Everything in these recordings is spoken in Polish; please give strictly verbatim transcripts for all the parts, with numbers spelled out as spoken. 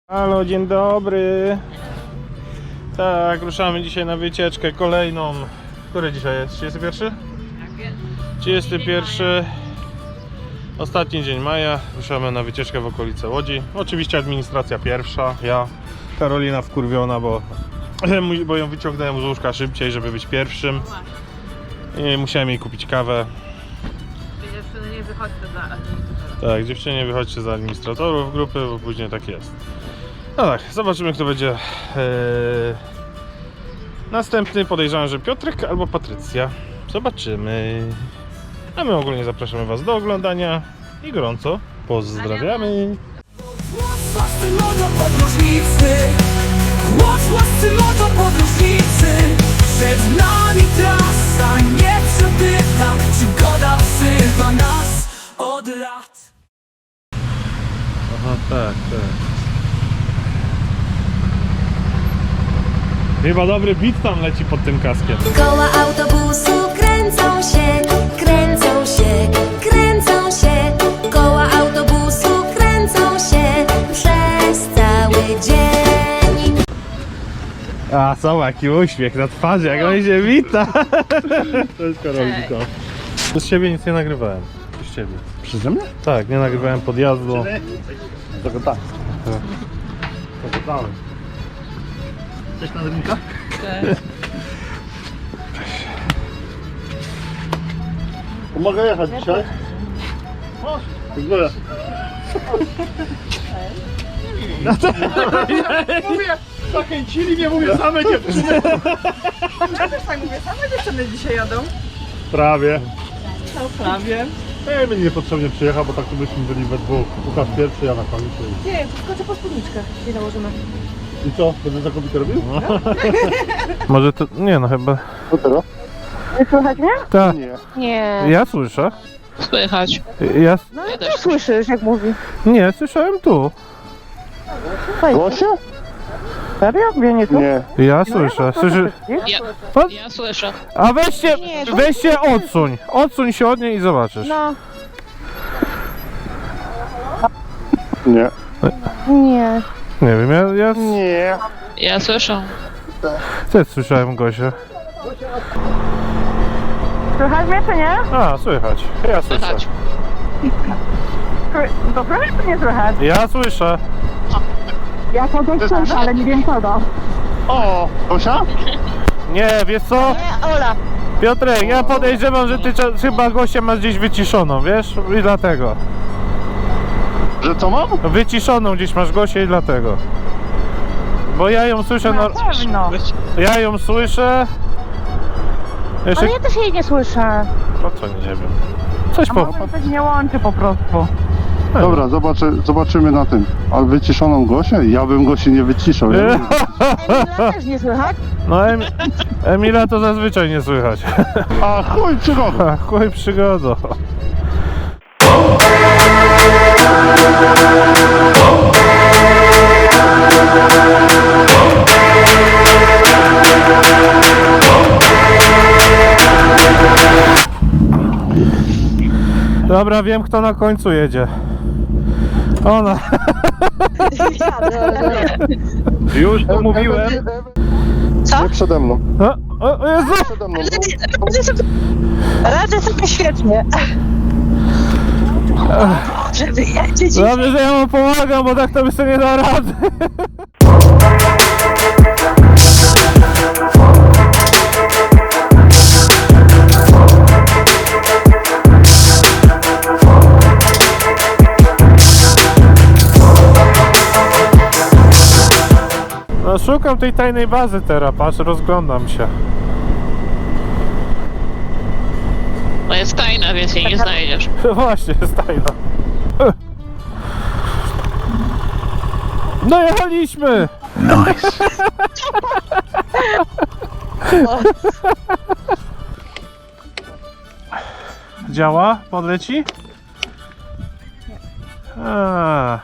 Halo, dzień dobry. Tak, ruszamy dzisiaj na wycieczkę kolejną. Który dzisiaj jest? trzydziesty pierwszy? trzydziesty pierwszy. Ostatni dzień maja. Ruszamy na wycieczkę w okolice Łodzi. Oczywiście administracja pierwsza. Ja, Karolina wkurwiona, bo, bo ją wyciągnąłem z łóżka szybciej, żeby być pierwszym. I musiałem jej kupić kawę. Dziewczyny, nie wychodźcie za administratora. Tak, dziewczyny, nie wychodźcie za administratorów grupy, bo później tak jest. No tak, zobaczymy, kto będzie eee, następny. Podejrzewam, że Piotrek albo Patrycja. Zobaczymy. A my ogólnie zapraszamy Was do oglądania i gorąco pozdrawiamy. Łascy moto podróżnicy, łascy moto podróżnicy. Przed nami trasa nieprzebyta, przygoda wzywa nas od lat. Aha, tak, tak. Chyba dobry beat tam leci pod tym kaskiem. Koła autobusu kręcą się, kręcą się, kręcą się. Koła autobusu kręcą się przez cały dzień. A co, jaki uśmiech na twarzy, jak on się wita. To jest Karolinka. Z siebie nic nie nagrywałem. Z ciebie. Przeze mnie? Tak, nie nagrywałem podjazdu. Tylko tak. Tylko dałem. Cześć na rynka? Cześć. Pomogę jechać dzisiaj? Dziękuję. Mówię, zachęcili mnie, mówię, same dziewczyny. Ja też tak mówię, same dziewczyny dzisiaj jadą. Prawie. No prawie. Ej, mnie niepotrzebnie przyjechał, bo tak tu byśmy byli we dwóch. Łukasz pierwszy, ja na końcu. Nie, skoczę po spódniczkę. Nie założymy. I co? Będę za kobietę robił? Może to... nie no chyba... Co teraz? Nie słychać mnie? Tak, Nie. Nie. ja słyszę. Słychać. Ja... No ja też słyszysz, jak mówi. Nie, słyszałem tu. Głosie? Serio? Mnie nie tu? Nie. Ja słyszę. Słyszy... Ja, Pan? ja słyszę. A weźcie, weźcie odsuń. Odsuń się od niej i zobaczysz. No. Nie. Nie. Nie wiem, ja, ja Nie. Ja słyszę. też słyszałem Gosię. Słychać mnie, czy nie? A, słychać. Ja słyszę. Słychać. To słychać, czy nie słychać? Ja słyszę. Ja kogoś słyszę, ale nie wiem kogo. O! Gosia? Nie, wiesz co? Nie, Ola. Piotrek, ja podejrzewam, że ty cza- chyba Gosię masz gdzieś wyciszoną, wiesz? I dlatego. Że co mam? Wyciszoną gdzieś masz Gosię i dlatego. Bo ja ją słyszę, no... pewno. Ja ją słyszę. Jeszcze... Ale ja też jej nie słyszę. No co, nie wiem. Coś po... Może coś nie łączy po prostu. Dobra, zobaczy, zobaczymy na tym. Ale wyciszoną Gosię? Ja bym Gosi nie wyciszał. Ja bym... Emila też nie słychać? No Em... Emila to zazwyczaj nie słychać. A chuj, przygoda. A, chuj przygodo. Dobra, wiem, kto na końcu jedzie. Ona. Już to mówiłem. Co? Nie przede mną. O, o, o Jezu! Przede mną. Radzę sobie świetnie. Żeby jeździć. Dobrze, że ja mu pomagam, bo tak to by sobie nie da rady. No szukam tej tajnej bazy teraz, patrz, rozglądam się. Bo jest tajna, więc jej nie znajdziesz. Właśnie, jest tajna. Dojechaliśmy! Nice. Działa? Podleci? A,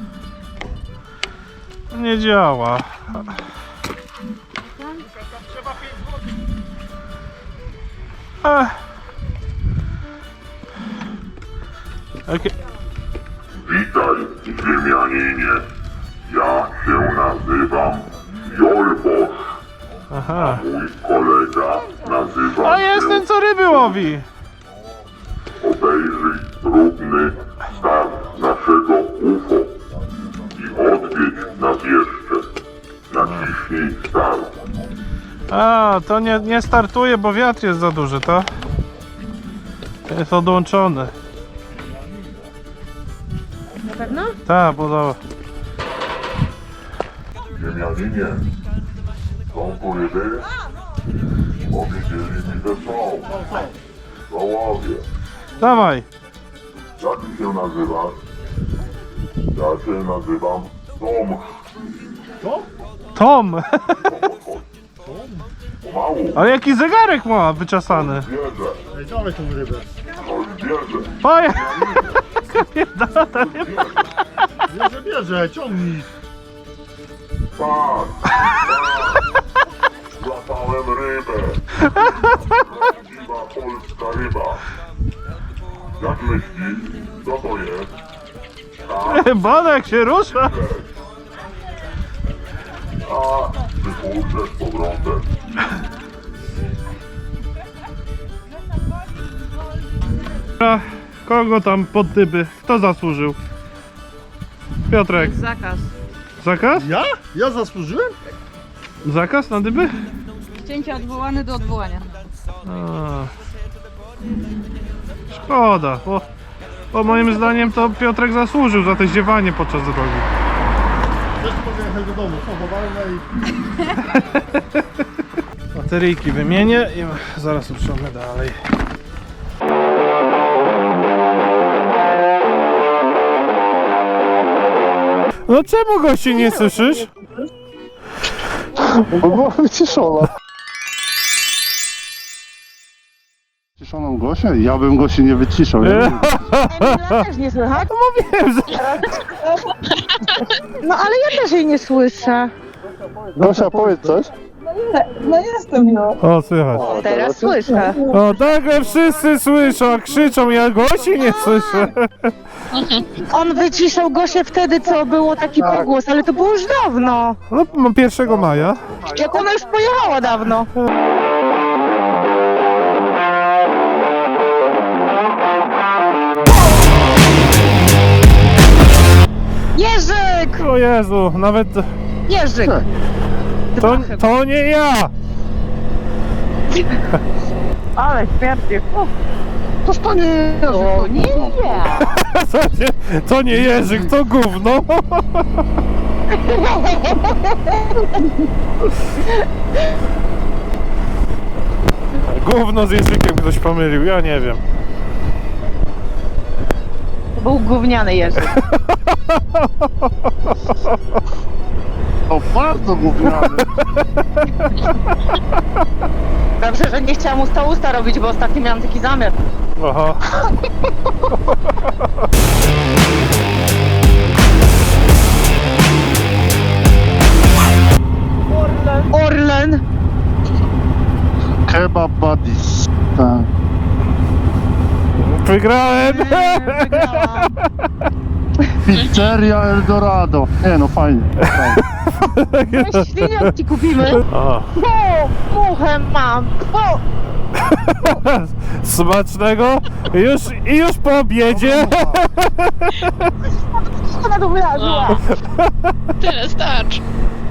nie działa. Ach. Okay. Witaj, Ziemianinie. Ja nazywam Jolbosz. Aha. Mój kolega nazywa A jest ten, co ryby łowi. Obejrzyj próbny start naszego U F O i odwiedź nas jeszcze. Naciśnij start. A, to nie, nie startuje, bo wiatr jest za duży, to? Jest odłączony. Na pewno? Tak, podoba. Ziemianinie, są tu ryby? Powiedzieli mi, że są. To łowię. Dawaj. Jak ty się nazywasz? Ja się nazywam Tom. Tom! Pomału, Ale jaki zegarek ma wyczesany. bierze. Ej, dawaj tą rybę. Coś bierze. Poje! Bierze, bierze, ciągnij. Tak, tak. Złapałem rybę. Prawdziwa polska ryba. Jak myślisz, co to jest? Tak, Bonek się rusza! a wypuszczę z powrotem. A, kogo tam pod dyby? Kto zasłużył? Piotrek, Jest zakaz. zakaz? Ja? Ja zasłużyłem? Zakaz na dyby? Cięcie odwołane do odwołania. A. Szkoda, bo, bo moim zdaniem to Piotrek zasłużył za te ziewanie podczas drogi. Też mogę jechać do domu. Co, powalne i... Bateryjki wymienię i zaraz ruszamy dalej. No czemu gości nie słyszysz? Bo była wyciszona. Wyciszoną Gosię? Ja bym Gosi nie wyciszał. Ja bym... Też nie słychać? No mówiłem, że... No ale ja też jej nie słyszę. Gosia, powiedz coś. No jestem no. O, słychać. Teraz słyszę. O, nagle wszyscy słyszą, a krzyczą, ja gości nie słyszę. On wyciszał Gosię wtedy, co było taki pogłos, ale to było już dawno. No, mam pierwszego maja. Jak ona już pojechała dawno. Jerzyk! O Jezu, nawet... Jerzyk! To, to nie ja! Ale śmierci. Toż to nie jest. O nie ja! To nie, to nie Jerzyk, to gówno! Gówno z Jerzykiem ktoś pomylił, ja nie wiem. To był gówniany Jerzyk. To bardzo gówniany. Dobrze, że nie chciałam usta usta robić, bo ostatnio miałam taki zamiar. Aha. Orlen! Kebab buddies. Tak. Wygrałem! Wygrałam. Pizzeria Eldorado. Nie no, fajnie. fajnie. No świniak ci kupimy. O, O, muchę mam. O, smacznego! Już, I już po obiedzie! ona tu wylazła. Tyle starcz.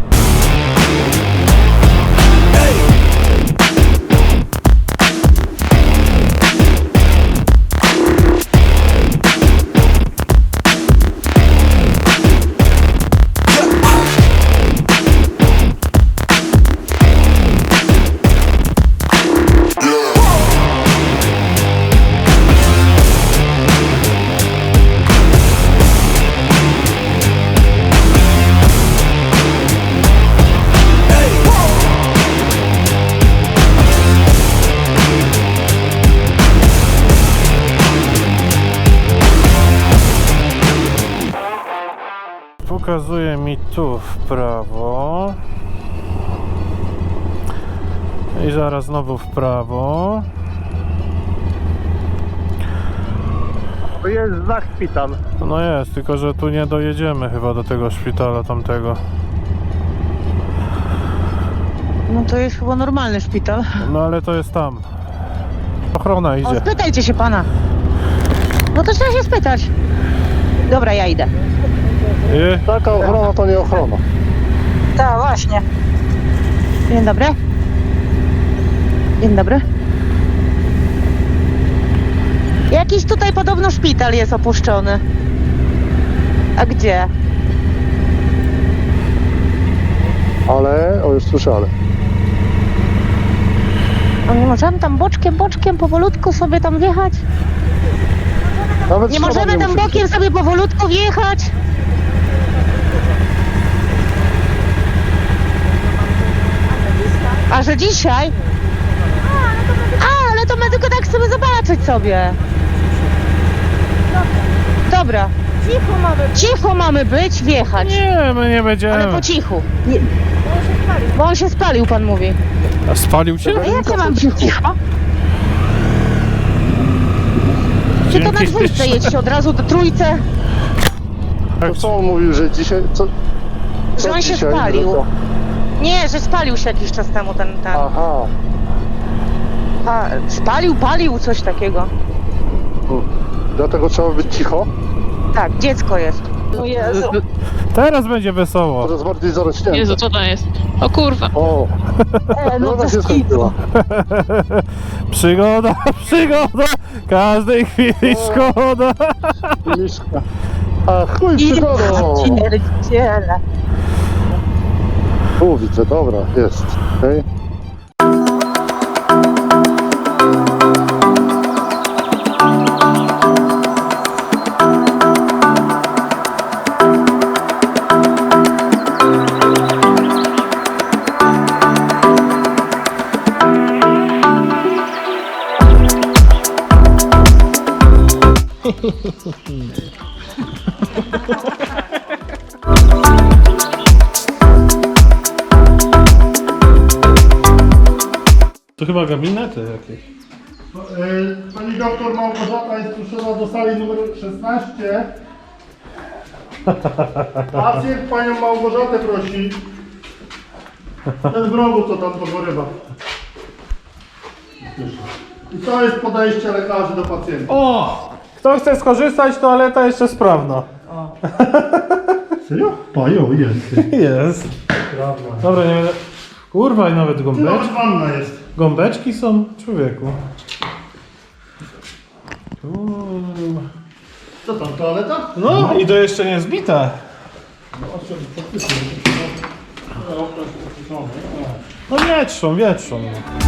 Pokazuje mi tu w prawo. I zaraz znowu w prawo. To jest znak szpital. No jest, tylko że tu nie dojedziemy chyba do tego szpitala tamtego. No to jest chyba normalny szpital. No ale to jest tam. Ochrona O, idzie. spytajcie się pana. No to trzeba się spytać. Dobra, ja idę. I... Taka ochrona to nie ochrona. Tak, właśnie. Dzień dobry. Dzień dobry. Jakiś tutaj podobno szpital jest opuszczony. A gdzie? Ale, o już słyszę, ale. No nie możemy tam boczkiem, boczkiem, powolutku sobie tam wjechać? Nawet Nie słowa możemy tam musi bokiem być. sobie powolutku wjechać? A że dzisiaj? A, ale to my tylko tak chcemy zobaczyć sobie. Dobra. Cicho mamy być. Cicho mamy być, wjechać. Nie, my nie będziemy. Ale po cichu. Nie. Bo on się spalił, pan mówi. A spalił cię? A jak ja mam być cicho? Czy to na Dzięki. dwójce jedźcie od razu do trójce? To co on mówił, że dzisiaj... Co, co Że on się dzisiaj, spalił. że to- Nie, że spalił się jakiś czas temu ten, ten. Aha. Pa, spalił, palił, coś takiego. Hmm. Dlatego trzeba być cicho. Tak, dziecko jest. O Jezu. Teraz będzie wesoło. Coraz bardziej zarośnięte. Jezu, co to jest? O kurwa. O, E, no no to się skitu. skończyła. Przygoda, przygoda. Każdej chwili szkoda. Miszka. A chuj przygodą. Pierdziele. Tu widzę, dobra, jest. Okej. To chyba gabinety jakieś. Pani doktor Małgorzata jest proszona do sali numer szesnaście. Pacjent panią Małgorzatę prosi. Ten w rogu co tam pogorywa. I to jest podejście lekarzy do pacjenta. O! Kto chce skorzystać, toaleta jeszcze sprawna. Serio? Pajo, jest. Jest. Dobra, nie będę... Kurwa, i nawet Nawet gąbeczki. wanna jest. Gąbeczki są, człowieku. Kurwa. Co tam, toaleta? No i to jeszcze nie zbite. No wietrzą, wietrzą.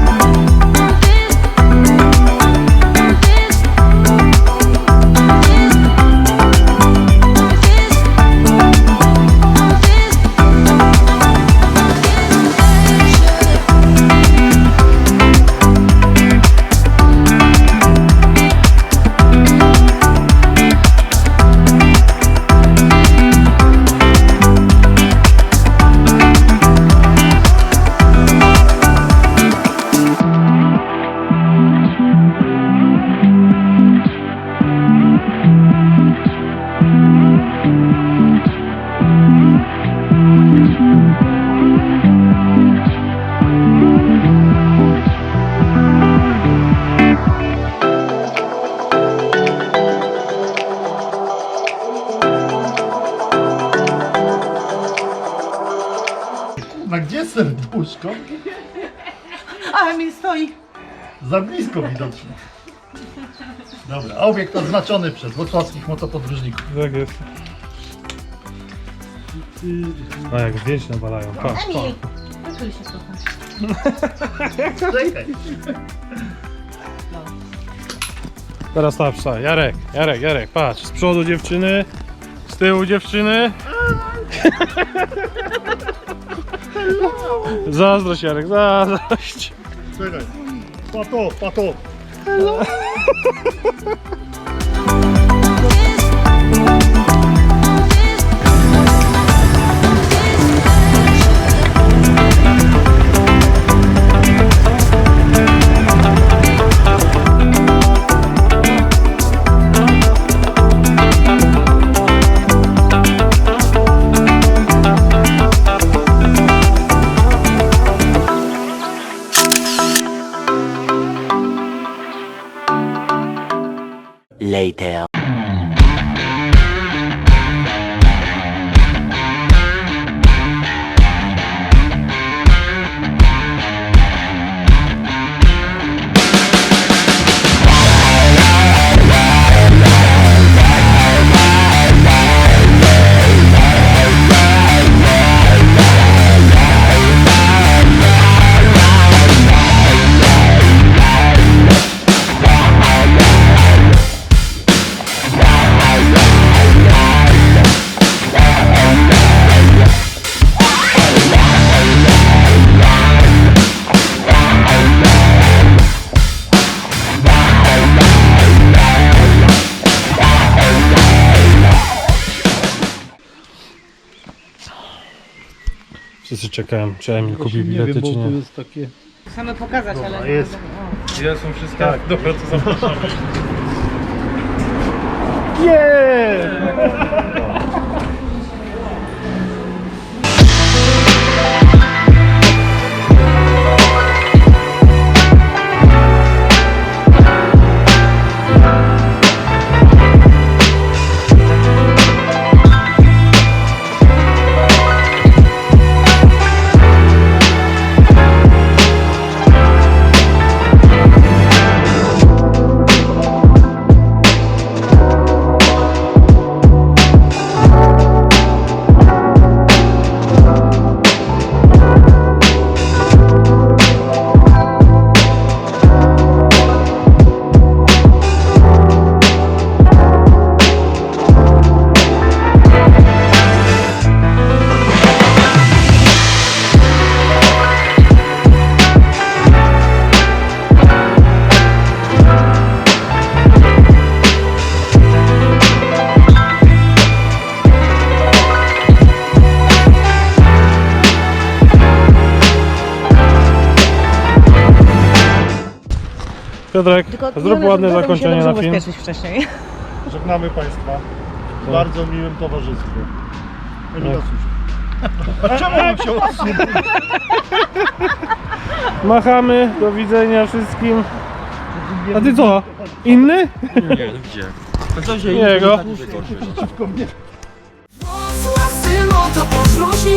Na gdzie serduszko? Ale mi stoi. Za blisko widocznie. Dobra, obiekt oznaczony przez wrocławskich motopodróżników. Tak jest. A jak zdjęć nawalają, patrz, patrz. Poczuj się trochę. Czekaj. Teraz ta psa. Jarek, Jarek, Jarek, patrz. Z przodu dziewczyny, z tyłu dziewczyny. Zazdrość, Jarek, zazdrość. Czekaj. Pato, pato. later. Wszyscy czekają, czy Emil kupi bilety, czy nie. jest takie... Chcemy pokazać, ale... jest. Gdzie są wszystkie? Tak, dobra, to zapraszamy. Yeah! Piotrek, zrób ładne zakończenie na film. wcześniej. Żegnamy Państwa w bardzo miłym towarzystwie. Emila Susia. Czemu mam się odsunąć? Machamy, do widzenia wszystkim. A ty co? Inny? Nie, gdzie? To co się Jego. Włocław, syno, to podróżni